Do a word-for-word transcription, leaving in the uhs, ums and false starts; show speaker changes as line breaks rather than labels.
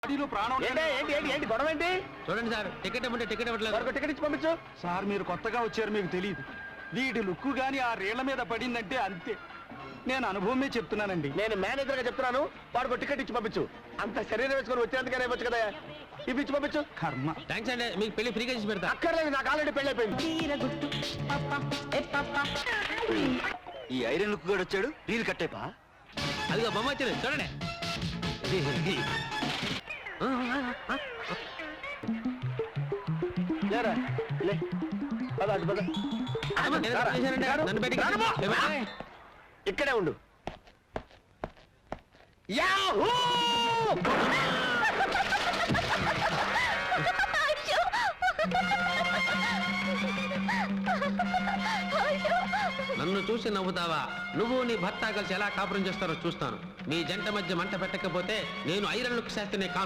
ప్రాణం
ఏంటి ఏంటి ఏంటి ఏంటి గొడవ ఏంటి?
చూడండి సార్, టికెట్ ఇవ్వండి, టికెట్ ఇవ్వట్లేదు.
మరొక టికెట్ ఇచ్చి పంపించు.
సార్ మీరు కొత్తగా వచ్చారు, మీకు తెలియదు. వీటి లుక్కు గాని ఆ రేళ్ల మీద పడిందంటే అంతే. నేను అనుభవమే చెప్తున్నానండి.
నేను మేనేజర్ గా చెప్తున్నాను, వాడికి టికెట్ ఇచ్చి పంపించు. అంత శరీరం వేసుకొని వచ్చేందుకనే వచ్చు కదా, ఇవి ఇచ్చి పంపించు.
కర్మ.
థ్యాంక్స్ అండి, మీకు పెళ్లి ఫ్రీగా చేసి పెడతా.
అక్కర్లేదు, నాకు ఆల్రెడీ పెళ్లి అయిపోయింది.
ఈ ఐరన్ లుక్ కూడా వచ్చాడు, రీల్ కట్టేపా.
అదిగో బొమ్మ వచ్చింది చూడండి.
లేరా, లే. పద, అటు పద.
నేను తప్పు చేశానండి, నన్ను బయటికి
రానమ్మా.
ఏమండి?
ఇక్కడే ఉండు. యాహూ!
నన్ను చూసి నవ్వుతావా? నువ్వు నీ భర్త కలిసి ఎలా కాపురం చేస్తారో చూస్తాను. మీ జంట మధ్య మంట పెట్టకపోతే నేను ఐరన్ లుక్ శాస్త్రిని కాను.